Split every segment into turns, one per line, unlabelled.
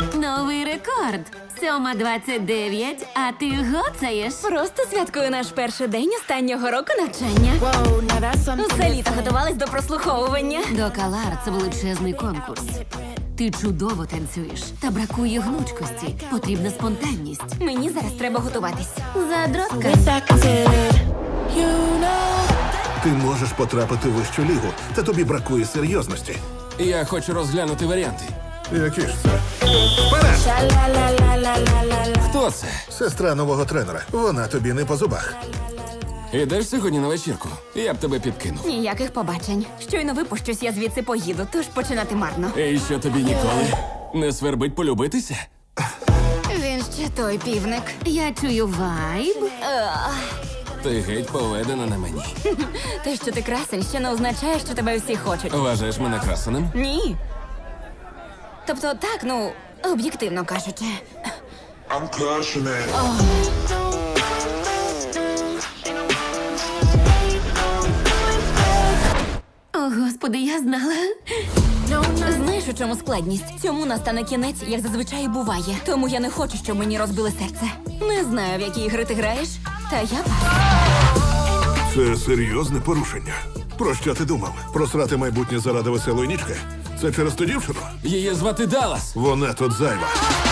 Новий рекорд. 7:29, а ти гоцаєш.
Просто святкую наш перший день останнього року навчання.
Whoa, now that's something
Усе літо
different.
готувались до прослуховування.
До Калар це величезний конкурс. Ти чудово танцюєш, та бракує гнучкості. Потрібна спонтанність.
Мені зараз треба готуватись.
Задротка.
With that considered, you know.
Ти можеш потрапити в вищу лігу, та тобі бракує серйозності.
Я хочу розглянути варіанти.
Які ж це? Вперед!
Sha-la-la-la-la-la-la-la.
Хто це?
Сестра нового тренера. Вона тобі не по зубах.
Ідеш сьогодні на вечірку? Я б тебе підкинув.
Ніяких побачень. Щойно випущусь, я звідси поїду, тож починати марно.
І що тобі ніколи не свербить полюбитися?
Він ще той півник.
Я чую вайб.
Ти геть поведена на мені.
Те, що ти красень, ще не означає, що тебе всі хочуть.
Вважаєш мене красеним?
Ні. Тобто так, ну, об'єктивно кажучи.
I'm crushing it.
О, господи, я знала.
Знаєш, у чому складність? Цьому настане кінець, як зазвичай і буває. Тому я не хочу, щоб мені розбили серце. Не знаю, в які ігри ти граєш, та я пас.
Це серйозне порушення. Про що ти думав? Просрати майбутнє заради веселої нічки? Це через ту дівчину?
Її звати Даллас.
Вона тут зайва.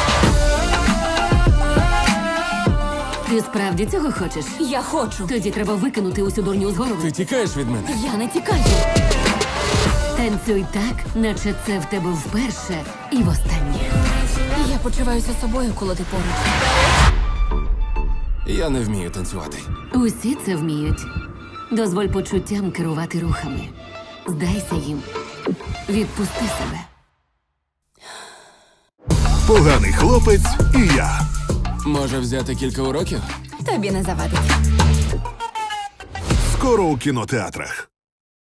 Ти справді цього хочеш?
Я хочу.
Тоді треба викинути усю дурню з голови.
Ти тікаєш від мене?
Я не тікаю.
Танцюй так, наче це в тебе вперше і востаннє.
Я почуваюся собою, коли ти поруч.
Я не вмію танцювати.
Усі це вміють. Дозволь почуттям керувати рухами. Здайся їм. Відпусти себе.
Поганий хлопець і я.
Може взяти кілька уроків?
Тобі не завадить.
Скоро у кінотеатрах.